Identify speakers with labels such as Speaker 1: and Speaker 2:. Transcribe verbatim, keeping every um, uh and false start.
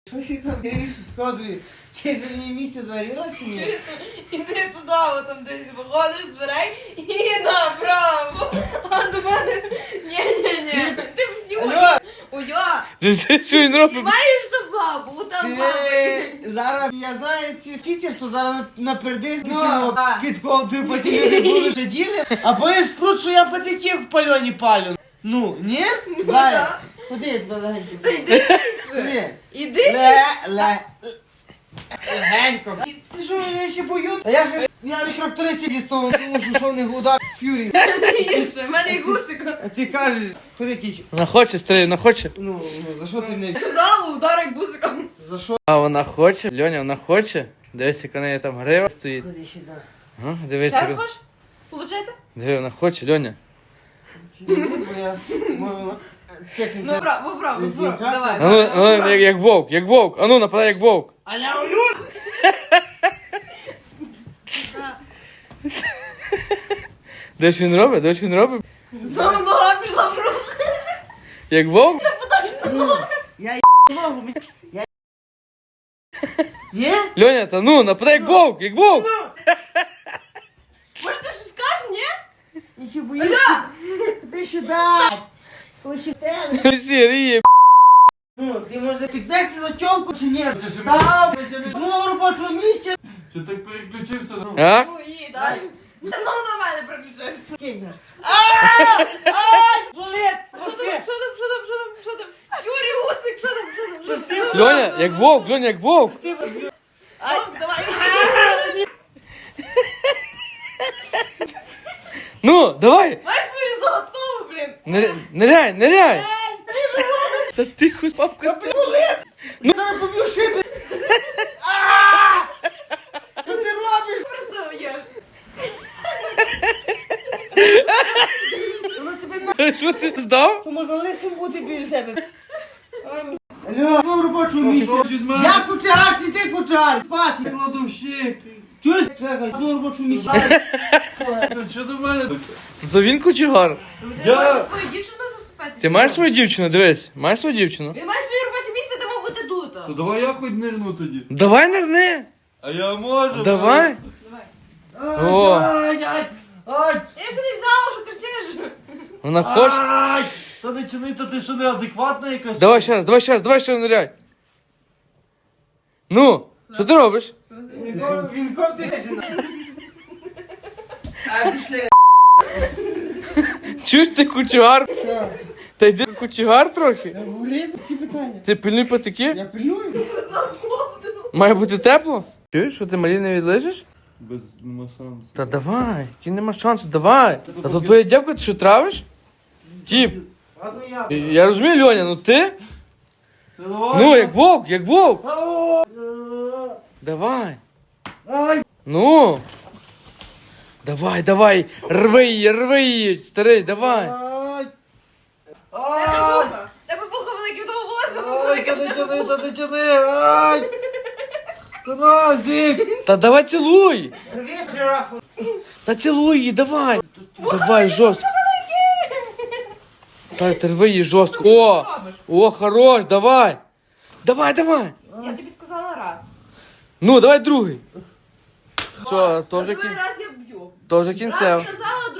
Speaker 1: Що ти там говориш підходжує? Ти ж мені місце зварила чи ні?
Speaker 2: Іди туди, от там десь виходиш з дверей і направо. А до мене... Ні-ні-ні, ти всі
Speaker 1: Алло!
Speaker 2: Уйо!
Speaker 3: Що він робить?
Speaker 2: Маєш ту бабу, там баба.
Speaker 1: Ти зараз, я знаю ці скітерство, зараз напердиш
Speaker 2: Ну, так.
Speaker 1: під ковтою, потім люди будуть сиділи, а потім спрут, що я патиків в пальоні палю. Ну, ні? Зая,
Speaker 2: так.
Speaker 1: ходи, я тебе легенько.
Speaker 2: Та йди звідси.
Speaker 1: Ходи.
Speaker 2: Іди.
Speaker 1: Ле, ле, легенько. Ти що, я ще бою? А я ж, я від трактористів дістав, тому що що в них удар фюрі.
Speaker 2: Їжте, в мене і гусика.
Speaker 1: А ти кажеш, ходи кічу.
Speaker 3: Вона хоче, старий, вона хоче.
Speaker 1: Ну, ну, за що ти мене?
Speaker 2: Казала, ударить гусиком.
Speaker 1: За що?
Speaker 3: А вона хоче, Льоня, вона хоче. Дивись, яка в неї там грива стоїть.
Speaker 1: Ходи сюди.
Speaker 3: Ага, дивись,
Speaker 2: Зараз
Speaker 3: яка.
Speaker 2: хочеш? Получайте?
Speaker 3: Диви, вона хоче, Льоня.
Speaker 1: Бо я можу чекнути.
Speaker 2: Ну, вправо, вправо, вправо, давай.
Speaker 3: А ну, а ну, як, як вовк, як вовк. А ну, нападай, як вовк.
Speaker 1: А я улюд!
Speaker 3: Де ж він робить? Де ж він робить?
Speaker 2: Знову нога пішла в руку.
Speaker 3: Як вовк?
Speaker 1: Я ногу, мені. Я Ні?
Speaker 3: Льоня, та ну, нападай, як вовк, як вовк.
Speaker 2: Може ти щось скажеш, ні?
Speaker 1: Я ще боюсь. Ти сюди. Лише тебе.
Speaker 3: Всі ріє.
Speaker 1: Ну, ти може піднешся за тілку чи ні? Став, з мого робочого місця.
Speaker 4: Чи так переключився?
Speaker 3: А?
Speaker 2: Ну, їй, дай. Знову на мене переключився.
Speaker 1: Кинь. Ай! Ай! Болить!
Speaker 2: Що
Speaker 1: Пусти!
Speaker 2: там, що там, що там, що там, що там? Юрій Усик, що там, що там, що там?
Speaker 3: Льоня, як вовк, Льоня, як вовк.
Speaker 1: Пусти, баб'ю.
Speaker 2: Ой, давай.
Speaker 3: Ну, давай.
Speaker 2: Маєш свою загадкову, блін.
Speaker 3: Ниряй, ниряй, ниряй.
Speaker 1: Ай, сиди, живо!
Speaker 3: Та тихо, папка.
Speaker 1: Ти болить! Ну, зараз поб'ю шиби! А! Що ти робиш?
Speaker 2: Просто є.
Speaker 1: Воно тебе на...
Speaker 3: Що ти здав?
Speaker 1: То можна лисим бути біля тебе. Алло, ну робочому місці. Я кучар, чи ти кучар? Спати.
Speaker 4: Кладовщик.
Speaker 1: Чуєш? Чекай, ну робочому місці.
Speaker 4: Що до мене?
Speaker 3: То він кучугар.
Speaker 2: Ти можеш свою дівчину заступити?
Speaker 3: Ти маєш свою дівчину, дивись. Маєш свою дівчину?
Speaker 2: Він має своє робоче місце, де мав бути тут.
Speaker 4: То давай я хоч нирну тоді.
Speaker 3: Давай нирни.
Speaker 4: А я можу.
Speaker 3: Давай.
Speaker 2: Давай.
Speaker 3: О.
Speaker 1: Ай, ай, ай,
Speaker 2: Я ще не взяла, що кричиш.
Speaker 3: Вона хоче.
Speaker 4: Ай! Та не чини, то ти що неадекватна якась?
Speaker 3: Давай ще раз, давай ще раз, давай ще раз ниряй. Ну, що ти робиш?
Speaker 1: Він ков- Він ков ти жена. А пішли.
Speaker 3: Чуєш ти кучугар?
Speaker 1: Що?
Speaker 3: Та йди кучугар трохи.
Speaker 1: Я говорив ці питання.
Speaker 3: Ти пильнуй патики.
Speaker 1: Я пилюю.
Speaker 3: Має бути тепло. Чуєш, що ти малі не відлежиш?
Speaker 4: Без нема шансу.
Speaker 3: Та давай, ті нема шансу, давай. А то твоя дівка, ти що травиш? Тіп,
Speaker 1: Ладно, я.
Speaker 3: я розумію, Льоня, ну ти? Ну, як вовк, як вовк. Давай.
Speaker 1: Ай,
Speaker 3: Ну. Давай, давай, рви її, рви її, старий, давай.
Speaker 1: ай.
Speaker 2: Тебе
Speaker 1: Ай,
Speaker 2: вуха. Тебе вуха велике, в того волосся
Speaker 1: ай,
Speaker 2: велике.
Speaker 1: та не тяни, та не тяни, ай. Та на, зік.
Speaker 3: Та давай цілуй.
Speaker 1: Рвеш жирафу.
Speaker 3: Та цілуй її, давай. Давай, жорстко. Та ти рви її жорстко. О, о, хорош, давай. Давай, давай.
Speaker 2: Я тобі сказала раз.
Speaker 3: Ну, давай другий. Що, то вже,
Speaker 2: Другий
Speaker 3: кін...
Speaker 2: раз я б'ю.
Speaker 3: то вже
Speaker 2: Раз
Speaker 3: кінцев.
Speaker 2: сказала,